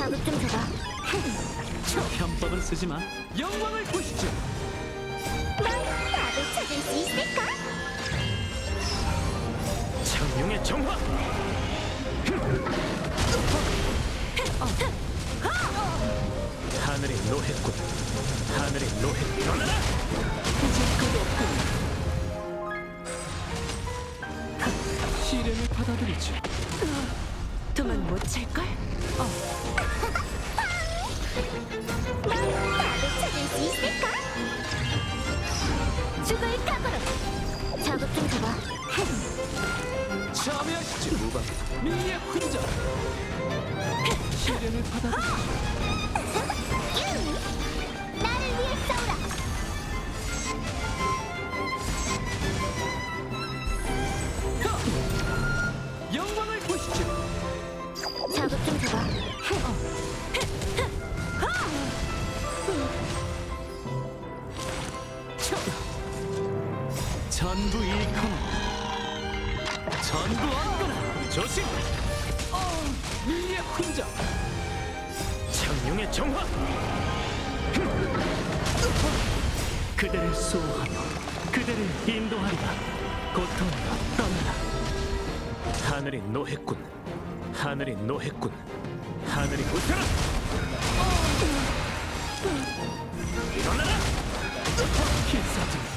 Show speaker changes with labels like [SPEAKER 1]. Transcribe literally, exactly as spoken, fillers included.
[SPEAKER 1] 자극 좀 줘봐.
[SPEAKER 2] 편법은 쓰지 마. 영광을 보시죠.
[SPEAKER 1] 넌 답을 찾을 수 있을까?
[SPEAKER 2] 창룡의 정화. 하늘이 노했군. 하늘이 노했. 일어나라. 이제 끝없군. 시련을 받아들이죠.
[SPEAKER 3] 도망 못 찰걸?
[SPEAKER 1] 넌 답을 찾을 수 있을까? 죽을 각오로. 자극 좀 줘봐.
[SPEAKER 2] 참여하시죠. 무방 미의 훈장. 시련을 받아들이죠.
[SPEAKER 1] 나를 위해 싸우라.
[SPEAKER 2] 영광을 보시죠.
[SPEAKER 1] 자극 좀 줘봐.
[SPEAKER 2] 전부 잃거나 전부 얻거나. 조심. 미의 훈장. 창룡의 정화. 그대를 수호하며 그대를 인도하리라. 고통이여 떠나라. 하늘이 노했군. 하늘이 노했군. 하늘이 웃어라. 일어나라. 필사적